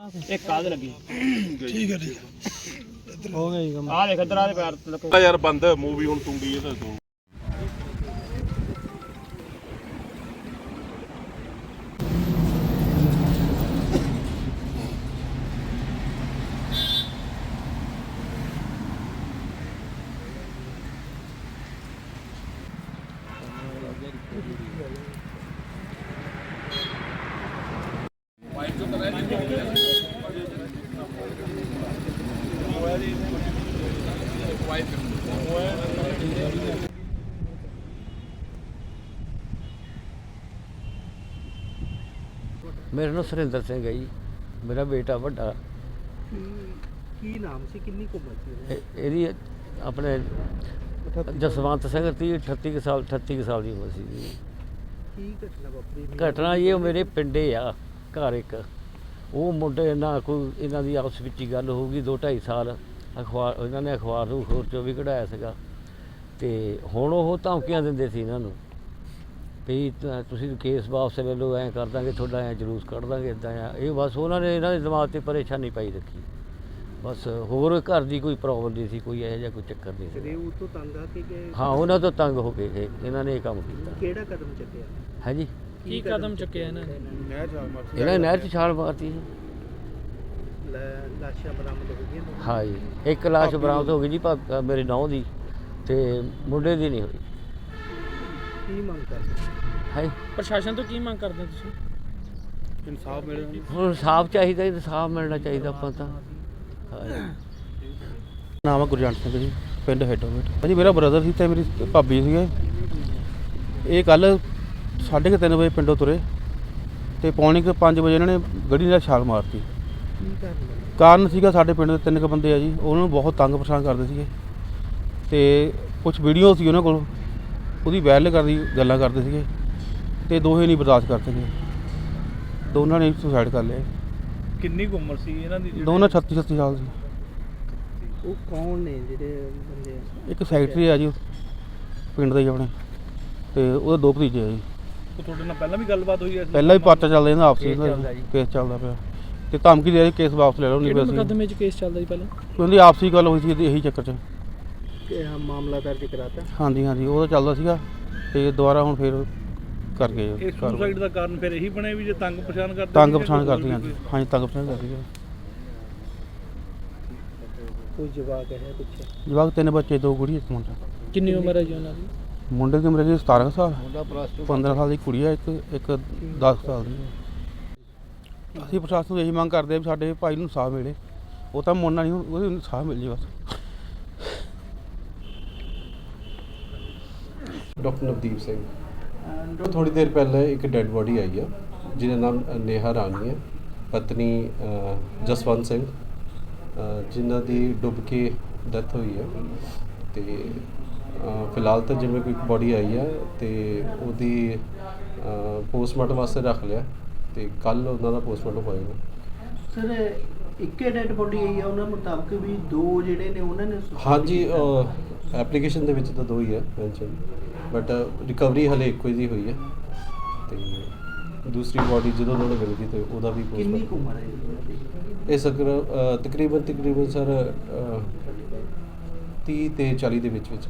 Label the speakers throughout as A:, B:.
A: एक काद लगी
B: ठीक है
A: हो गई आ देख इधर आ दे पैर
C: यार बंद मूवी हुन टूंगी है तो
D: मेरा नाम सुरिंदर सिंह है जी। मेरा बेटा ਵੱਡਾ
B: की नाम से किन्नी को बची
D: ਇਹਦੀ ਆਪਣੇ ਜਸਵੰਤ ਸਿੰਘ 38 ਕੁ ਸਾਲ 38 ਕੁ ਸਾਲ ਦੀ ਉਮਰ ਸੀ ਜੀ।
B: की घटना वापरी
D: ਘਟਨਾ ਇਹ ਮੇਰੇ ਪਿੰਡੇ ਆ ਘਰ ਇੱਕ ਉਹ ਮੁੰਡੇ ਨਾਲ ਕੋਈ ਇਹਨਾਂ ਦੀ ਆਪਸ ਵਿੱਚ ਹੀ ਗੱਲ ਹੋਊਗੀ 2-2.5 ਸਾਲ ਅਖਬਾਰ ਇਹਨਾਂ ਨੇ ਅਖਬਾਰ ਨੂੰ ਖੋਰ ਚੋਂ ਵੀ ਕਢਾਇਆ ਸੀਗਾ ਤੇ ਹੁਣ ਉਹ ਧਮਕੀਆਂ ਦਿੰਦੇ ਸੀ ਇਹਨਾਂ ਨੂੰ ਵੀ ਤੁਸੀਂ ਕੇਸ ਵਾਪਸ ਲੈ ਲਓ ਐਂ ਕਰ ਦਾਂਗੇ ਤੁਹਾਡਾ ਐਂ ਜਲੂਸ ਕੱਢ ਦਾਂਗੇ ਇੱਦਾਂ ਆ ਇਹ ਬਸ ਉਹਨਾਂ ਨੇ ਇਹਨਾਂ ਦੇ ਦਿਮਾਗ 'ਤੇ ਪਰੇਸ਼ਾਨੀ ਪਾਈ ਰੱਖੀ ਬਸ ਹੋਰ ਘਰ ਦੀ ਕੋਈ ਪ੍ਰੋਬਲਮ ਨਹੀਂ ਸੀ ਕੋਈ ਇਹੋ ਜਿਹਾ ਕੋਈ ਚੱਕਰ ਨਹੀਂ ਸੀ
B: ਉਹ ਤੋਂ ਤੰਗ ਆ ਕੇ ਗਏ
D: ਹਾਂ ਉਹਨਾਂ ਤੋਂ ਤੰਗ ਹੋ ਕੇ ਗਏ ਇਹਨਾਂ ਨੇ ਇਹ ਕੰਮ ਕੀਤਾ
B: ਕਿਹੜਾ ਕਦਮ ਚੱਕਿਆ
D: ਹੈ ਜੀ
A: की कदम चुके हैं ना
D: ਇਹਨਾਂ ਨੇ ਨਹਿਰ 'ਚ ਛਾਲ ਮਾਰਤੀ ਸੀ
B: ਲਾਸ਼ਾਂ ਬਰਾਮਦ ਹੋ ਗਈਆਂ
D: ਹਾਂ ਜੀ ਇੱਕ ਲਾਸ਼ ਬਰਾਮਦ ਹੋ ਗਈ ਜੀ ਮੇਰੇ ਨੌਂ ਦੀ ਤੇ ਮੁੰਡੇ ਦੀ ਨਹੀਂ ਹੋਈ
B: ਕੀ ਮੰਗ ਕਰਦੇ
D: ਹੈ
A: प्रशासन तो की मांग करते हैं तुसी
B: ਇਨਸਾਫ ਮਿਲੇ
D: ਹੁਣ ਇਨਸਾਫ ਚਾਹੀਦਾ ਇਨਸਾਫ ਮਿਲਣਾ ਚਾਹੀਦਾ ਆਪਾਂ ਤਾਂ
E: ਨਾਮ ਹੈ ਗੁਰਜੰਟ ਸਿੰਘ ਜੀ ਪਿੰਡ ਹੈਡੋਮੇਟ ਭਾਜੀ ਮੇਰਾ ਬ੍ਰਦਰ ਸੀ ਤੇ ਮੇਰੀ ਭਾਬੀ ਸੀਗੇ ਇਹ ਕੱਲ 3:30 ਵਜੇ ਪਿੰਡੋਂ ਤੁਰੇ ਤੇ ਪੌਣੇ 5 ਵਜੇ ਇਹਨਾਂ ਨੇ ਗੱਡੀ ਨਾਲ ਛਾਲ ਮਾਰਤੀ
B: ਕੀ ਕਰਨਾ
E: ਕਾਰਨ ਸੀਗਾ ਸਾਡੇ ਪਿੰਡ ਦੇ 3 ਬੰਦੇ ਆ ਜੀ ਉਹਨਾਂ ਨੂੰ ਬਹੁਤ ਤੰਗ ਪਰੇਸ਼ਾਨ ਕਰਦੇ ਸੀਗੇ ਤੇ ਕੁਝ ਵੀਡੀਓ ਸੀ ਉਹਨਾਂ ਕੋਲ ਉਹਦੀ ਵਾਇਰਲ ਕਰਦੀ ਗੱਲਾਂ ਕਰਦੇ ਸੀਗੇ ਤੇ ਦੋਹੇ ਨਹੀਂ ਬਰਦਾਸ਼ਤ ਕਰ ਸਕੇ ਦੋਨਾਂ ਨੇ ਸੁਸਾਈਡ ਕਰ ਲਿਆ
B: ਕਿੰਨੀ ਕੁ ਉਮਰ ਸੀ ਇਹਨਾਂ ਦੀ
E: ਦੋਨਾਂ 36 ਸਾਲ ਸੀ
B: ਉਹ ਕੌਣ ਨੇ ਜਿਹੜੇ ਬੰਦੇ
E: ਇੱਕ ਸੈਕਟਰੀ ਆ ਜੀ ਪਿੰਡ ਦੇ ਹੀ ਆਪਣੇ ਤੇ ਉਹਦੇ 2 ਭਤੀਜੇ ਆ ਜੀ
B: ਉਹ ਤੁਹਾਡੇ ਨਾਲ ਪਹਿਲਾਂ ਵੀ ਗੱਲਬਾਤ ਹੋਈ ਹੈ
E: ਪਹਿਲਾਂ ਵੀ ਪਾਰਟਾ ਚੱਲਦਾ ਇਹਨਾਂ ਆਪਸੀ ਕੇਸ ਚੱਲਦਾ ਪਿਆ ਤੇ ਧਮਕੀ ਦੇ ਰਹੀ ਕੇਸ ਵਾਪਸ ਲੈ ਲਓ ਨਹੀਂ
A: किहड़े
E: ਬਸ
A: मुकदमे च केस चलदा जी पहले
E: ਉਹਦੀ ਆਪਸੀ ਗੱਲ ਹੋਈ ਸੀ ਇਹੀ ਚੱਕਰ 'ਚ
B: ਕਿ ਮਾਮਲਾ ਦਰਜ ਕਰਾਤਾ
E: ਹਾਂਜੀ ਉਹ ਤਾਂ ਚੱਲਦਾ ਸੀਗਾ ਤੇ ਦੁਬਾਰਾ ਹੁਣ ਫੇਰ ਕਰ ਗਏ
F: ਇਹ ਸੁਸਾਈਡ ਦਾ ਕਾਰਨ ਫਿਰ ਇਹੀ ਬਣਿਆ ਵੀ ਜੇ ਤੰਗ ਪਛਾਣ ਕਰਦੇ
E: ਤੰਗ ਪਛਾਣ ਕਰਦੀ ਹਾਂਜੀ ਤੰਗ ਪਛਾਣ ਕਰਦੀ ਹੈ
B: ਕੋਈ ਜਵਾਬ ਹੈ ਪਿੱਛੇ
E: ਜਵਾਕ 3 ਬੱਚੇ 2 ਕੁੜੀ ਇੱਕ ਮੁੰਡਾ
A: किन्नी उम्र है जी उन्हां दी
E: ਮੁੰਡੇ ਦੀ ਉਮਰ ਹੈਗੀ 17 ਸਾਲ 15 ਸਾਲ ਦੀ ਕੁੜੀ ਹੈ ਇੱਕ 10 ਸਾਲ ਦੀ ਹੈ ਅਸੀਂ ਪ੍ਰਸ਼ਾਸਨ ਨੂੰ ਇਹੀ ਮੰਗ ਕਰਦੇ ਹਾਂ ਵੀ ਸਾਡੇ ਭਾਈ ਨੂੰ ਇਨਸਾਫ ਮਿਲੇ ਉਹ ਤਾਂ ਮੁੰਡਾ ਨਹੀਂ ਉਹਨੂੰ ਇਨਸਾਫ ਮਿਲ ਜੇ ਬਸ
G: ਡਾਕਟਰ ਨਵਦੀਪ ਸਿੰਘ ਥੋੜੀ ਦੇਰ ਪਹਿਲਾਂ ਇੱਕ ਡੈੱਡ ਬੋਡੀ ਆਈ ਆ ਜਿਹਦਾ ਨਾਮ ਨੇਹਾ ਰਾਣੀ ਹੈ ਪਤਨੀ ਜਸਵੰਤ ਸਿੰਘ ਜਿਨ੍ਹਾਂ ਦੀ ਡੁੱਬ ਕੇ ਡੈਥ ਹੋਈ ਹੈ ਤੇ ਫਿਲਹਾਲ ਤਾਂ ਜਿਵੇਂ ਕੋਈ ਬੋਡੀ ਆਈ ਹੈ ਤੇ ਉਹਦੀ ਪੋਸਟਮਾਰਟਮ ਵਾਸਤੇ ਰੱਖ ਲਿਆ ਤੇ ਕੱਲ ਉਹਨਾਂ ਦਾ ਪੋਸਟਮਾਰਟਮ ਹੋਏਗਾ
B: ਸਰ ਇੱਕੇ ਡੈਡ ਬੋਡੀ ਆਈ ਆ ਉਹਨਾਂ ਮੁਤਾਬਕ ਵੀ 2 ਜਿਹੜੇ ਨੇ ਉਹਨਾਂ ਨੇ
G: ਹਾਂਜੀ ਐਪਲੀਕੇਸ਼ਨ ਦੇ ਵਿੱਚ ਤਾਂ 2 ਹੀ ਹੈ ਮੈਂਸ਼ਨ ਬਟ ਰਿਕਵਰੀ ਹਲੇ ਇੱਕੋ ਹੀ ਹੋਈ ਹੈ ਤੇ ਦੂਸਰੀ ਬੋਡੀ ਜਦੋਂ ਉਹਨਾਂ ਨੂੰ ਮਿਲ ਗਈ ਤੇ ਉਹਦਾ ਵੀ
B: ਕਿੰਨੀ ਕੁ ਉਮਰ ਹੈ ਇਹਨਾਂ ਦੀ
G: ਇਹ ਤਕਰੀਬਨ ਸਰ 30 ਤੇ 40 ਦੇ ਵਿੱਚ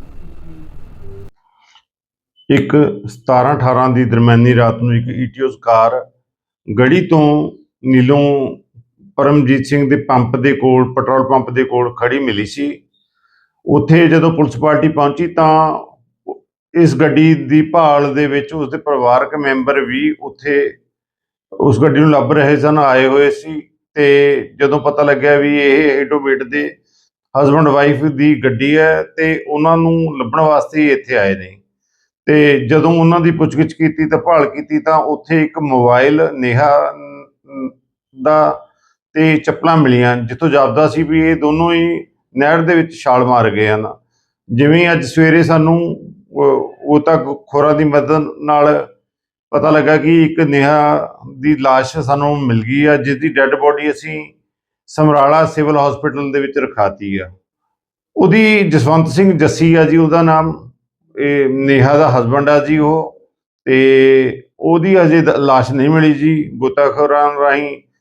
H: ਇੱਕ 17-18 ਦੀ ਦਰਮਿਆਨੀ ਰਾਤ ਨੂੰ ਇੱਕ ਈਟੀਓਸ ਕਾਰ ਗੜੀ ਤੋਂ ਨੀਲੋਂ ਪਰਮਜੀਤ ਸਿੰਘ ਦੇ ਪੰਪ ਦੇ ਕੋਲ ਪੈਟਰੋਲ ਪੰਪ ਦੇ ਕੋਲ ਖੜੀ ਮਿਲੀ ਸੀ। ਉੱਥੇ ਜਦੋਂ ਪੁਲਿਸ ਪਾਰਟੀ ਪਹੁੰਚੀ ਤਾਂ ਇਸ ਗੱਡੀ ਦੀ ਭਾਲ ਦੇ ਵਿੱਚ ਉਸਦੇ ਪਰਿਵਾਰਕ ਮੈਂਬਰ ਵੀ ਉੱਥੇ ਉਸ ਗੱਡੀ ਨੂੰ ਲੱਭ ਰਹੇ ਸਨ, ਆਏ ਹੋਏ ਸੀ। ਤੇ ਜਦੋਂ ਪਤਾ ਲੱਗਿਆ ਵੀ ਇਹ ਹੈਡੋਵੇਟ ਦੇ ਹਸਬੈਂਡ ਵਾਈਫ ਦੀ ਗੱਡੀ ਹੈ ਤੇ ਉਹਨਾਂ ਨੂੰ ਲੱਭਣ ਵਾਸਤੇ ਇੱਥੇ ਆਏ ਨੇ। ਤੇ ਜਦੋਂ ਉਹਨਾਂ ਦੀ ਪੁੱਛਗਿੱਛ ਕੀਤੀ ਤਾਂ ਭਾਲ ਕੀਤੀ ਤਾਂ ਉੱਥੇ ਇੱਕ ਮੋਬਾਈਲ ਨੇਹਾ ਦਾ ਤੇ ਚੱਪਲਾਂ ਮਿਲੀਆਂ, ਜਿੱਥੋਂ ਜਾਪਦਾ ਸੀ ਵੀ ਇਹ ਦੋਨੋਂ ਹੀ ਨਹਿਰ ਦੇ ਵਿੱਚ ਛਾਲ ਮਾਰ ਗਏ ਹਨ। ਜਿਵੇਂ ਅੱਜ ਸਵੇਰੇ ਸਾਨੂੰ ਉਹ ਤਾਂ ਖੋਰਾਂ ਦੀ ਮਦਦ ਨਾਲ ਪਤਾ ਲੱਗਾ ਕਿ ਇੱਕ ਨੇਹਾ ਦੀ ਲਾਸ਼ ਸਾਨੂੰ ਮਿਲ ਗਈ ਆ, ਜਿਸ ਦੀ ਡੈੱਡ ਬੋਡੀ ਅਸੀਂ ਸਮਰਾਲਾ ਸਿਵਲ ਹਸਪੀਟਲ ਦੇ ਵਿੱਚ ਰਖਾਤੀ ਆ। ਉਹਦੀ ਜਸਵੰਤ ਸਿੰਘ ਜੱਸੀ ਆ ਜੀ ਉਹਦਾ ਨਾਮ, ਇਹ ਨੇਹਾ ਦਾ ਹਸਬੈਂਡ ਆ ਜੀ ਉਹ, ਤੇ ਉਹਦੀ ਅਜੇ ਲਾਸ਼ ਨਹੀਂ ਮਿਲੀ ਜੀ। ਗੋਤਾਖੋਰਾਂ ਰਾਹੀਂ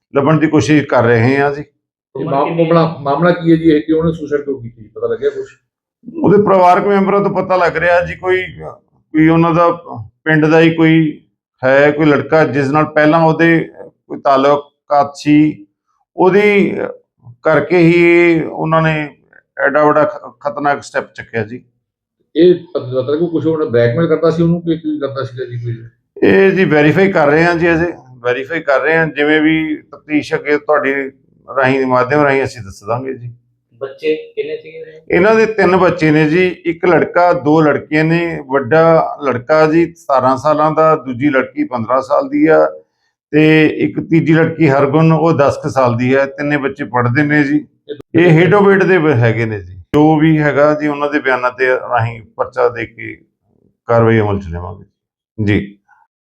H: ਲੱਭਣ ਦੀ ਕੋਸ਼ਿਸ਼ ਕਰ ਰਹੇ ਹਾਂ ਜੀ।
I: ਮਾਮਲਾ ਕੀ ਹੈ ਜੀ ਇਹ ਕਿ ਉਹਨੇ ਸੁਸਾਈਡ ਕਿਉਂ ਕੀਤੀ ਪਤਾ ਲੱਗਿਆ ਕੁਝ?
H: ਉਹਦੇ ਪਰਿਵਾਰਕ ਮੈਂਬਰਾਂ ਤੋਂ ਪਤਾ ਲੱਗ ਰਿਹਾ ਜੀ ਕੋਈ ਉਹਨਾਂ ਦਾ ਪਿੰਡ ਦਾ ਹੀ ਕੋਈ ਹੈ, ਕੋਈ ਲੜਕਾ ਜਿਸ ਨਾਲ ਪਹਿਲਾਂ ਉਹਦੇ ਕੋਈ ਤਾਲੁਕਾਤ ਸੀ, ਉਹਦੀ ਕਰਕੇ ਹੀ ਉਹਨਾਂ ਨੇ ਐਡਾ ਵੱਡਾ ਖਤਰਨਾਕ ਸਟੈਪ ਚੱਕਿਆ ਜੀ।
I: ਇਹ ਪਤਾ ਲੱਗੂ ਕੁਝ ਉਹਨੇ ਬਲੈਕਮੇਲ ਕਰਦਾ ਸੀ ਉਹਨੂੰ ਕਿ ਕੀ ਕਰਦਾ ਸੀਗਾ ਜੀ ਕੋਈ?
H: ਇਹ ਜੀ ਵੈਰੀਫਾਈ ਕਰ ਰਹੇ ਹਾਂ ਜੀ, ਅਸੀਂ ਵੈਰੀਫਾਈ ਕਰ ਰਹੇ ਹਾਂ, ਜਿਵੇਂ ਵੀ ਤਫਤੀਸ਼ ਅੱਗੇ ਤੁਹਾਡੀ ਰਾਹੀਂ ਮਾਧਿਅਮ ਰਾਹੀਂ ਅਸੀਂ ਦੱਸ ਦਾਂਗੇ ਜੀ।
J: ਬੱਚੇ ਕਿੰਨੇ ਸੀਗੇ?
H: ਇਹਨਾਂ ਦੇ 3 ਬੱਚੇ ਨੇ ਜੀ, 1 ਲੜਕਾ 2 ਲੜਕੀਆਂ ਨੇ। ਵੱਡਾ ਲੜਕਾ ਜੀ 17 ਸਾਲਾਂ ਦਾ, ਦੂਜੀ ਲੜਕੀ 15 ਸਾਲ ਦੀ ਆ ਤੇ ਇੱਕ ਤੀਜੀ ਲੜਕੀ ਹਰਗੁਣ ਉਹ 10 ਕੁ ਸਾਲ ਦੀ ਹੈ। 3 ਬੱਚੇ ਪੜ੍ਹਦੇ ਨੇ ਜੀ। ਇਹ ਹੇਡੋਵੇਟ ਦੇ ਹੈਗੇ ਨੇ ਜੀ। ਜੋ ਵੀ ਹੈਗਾ ਜੀ ਉਹਨਾਂ ਦੇ ਬਿਆਨਾਂ ਤੇ ਰਾਹੀਂ ਪਰਚਾ ਦੇ ਕੇ ਕਾਰਵਾਈ ਅਮਲ ਚ ਲਿਆਵਾਂਗੇ ਜੀ।